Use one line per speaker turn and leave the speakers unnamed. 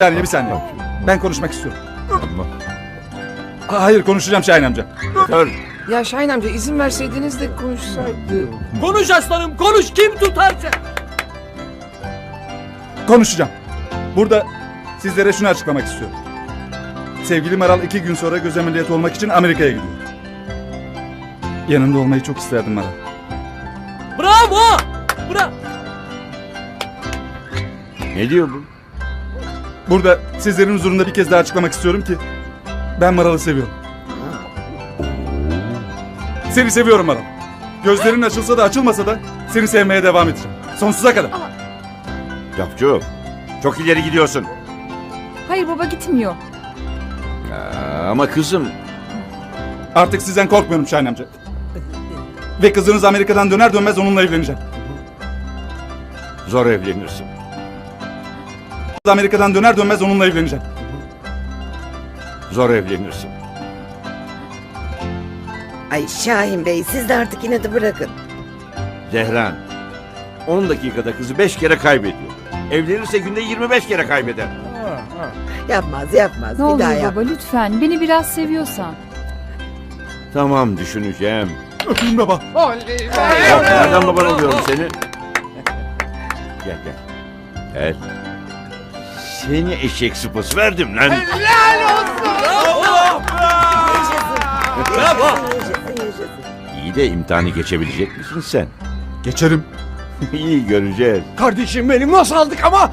Bir saniye. Ben konuşmak istiyorum.
Tamam.
Hayır, konuşacağım Şahin amca.
Dur.
Ya Şahin amca izin verseydiniz de konuşsaydı.
Konuş aslanım konuş, kim tutarsa.
Konuşacağım. Burada sizlere şunu açıklamak istiyorum. Sevgili Maral 2 gün sonra göz ameliyatı olmak için Amerika'ya gidiyor. Yanında olmayı çok isterdim Maral.
Bravo! Bravo!
Ne diyor bu?
Burada sizlerin huzurunda bir kez daha açıklamak istiyorum ki ben Maral'ı seviyorum. Seni seviyorum Maral. Gözlerin açılsa da açılmasa da seni sevmeye devam edeceğim. Sonsuza kadar.
Cafcı. Çok ileri gidiyorsun.
Hayır baba gitmiyor.
Ama kızım.
Artık sizden korkmuyorum Şahin amca. Ve kızınız Amerika'dan döner dönmez onunla evleneceğim.
Zor evlenirsin.
Amerika'dan döner dönmez onunla evleneceğim.
Zor evlenirsin.
Ay Şahin Bey siz de artık inadı bırakın.
Zehran. 10 dakikada kızı 5 kere kaybediyor. Evlenirse günde 25 kere kaybeder.
Yapmaz
Ne
bir daha
olur
yap.
baba lütfen beni biraz seviyorsan.
Tamam, düşüneceğim.
Öpeyim baba.
Yok, nereden baban oluyorum seni? Gel. Gel. Seni eşek sıpası verdim lan.
Bravo!
Yaşasın.
İyi de imtihanı geçebilecek misin sen?
Geçerim.
İyi, göreceğiz.
Kardeşim benim nasıl aldık ama?